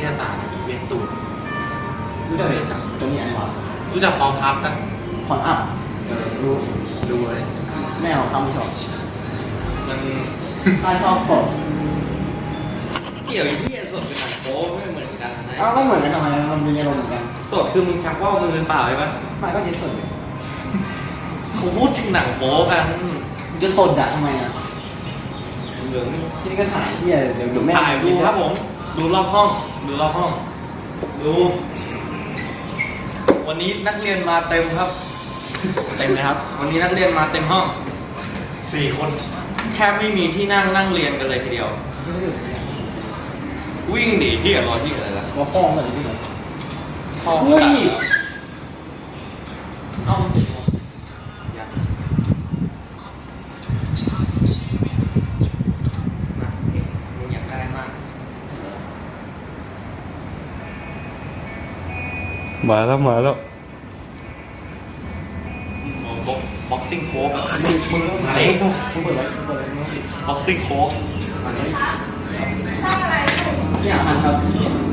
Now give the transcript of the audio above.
ยาศาสตร์เรียนตูดรู้จักเลยตัวนี้อันวะรู้จักพร้อมพับกันพรอัพรู้ดูเลยไม่เอาคำไม่ชอบมันถ้าชอบสดเกี่ยวกับที่สดกับหนังโป๊ไม่เหมือนกันนะอ้าวก็เหมือนกันทำไมมันมีอารมณ์เหมือนกันสดคือมึงชักว่าวมือเปล่าใช่ปะมันก็เย็นสดเลยเขาพูดถึงหนังโป๊กันมันจะสดอะทำไมอะเหลืองที่นี่ก็ถ่ายที่เดี๋ยวแม่ถ่ายดูครับผม ดูรอบห้อง ดูรอบห้อง ดู วันนี้นักเรียนมาเต็มครับ เต็มไหมครับ วันนี้นักเรียนมาเต็มห้อง4 คนแทบไม่มีที่นั่งเรียนกันเลยทีเดียว วิ่งหนีที่กับรอที่อะไรล่ะว่าป้องกันเลยที่ไหนห้องเฮ้ยเอาสิยังนะเองมึงอยากได้มากมาแล้วบ็อกซิ่งโค้กอะมึงไหนมึงเปิดไว้มึงบ็อกซิ่งโค้กอันนี้ที่อ่านครับ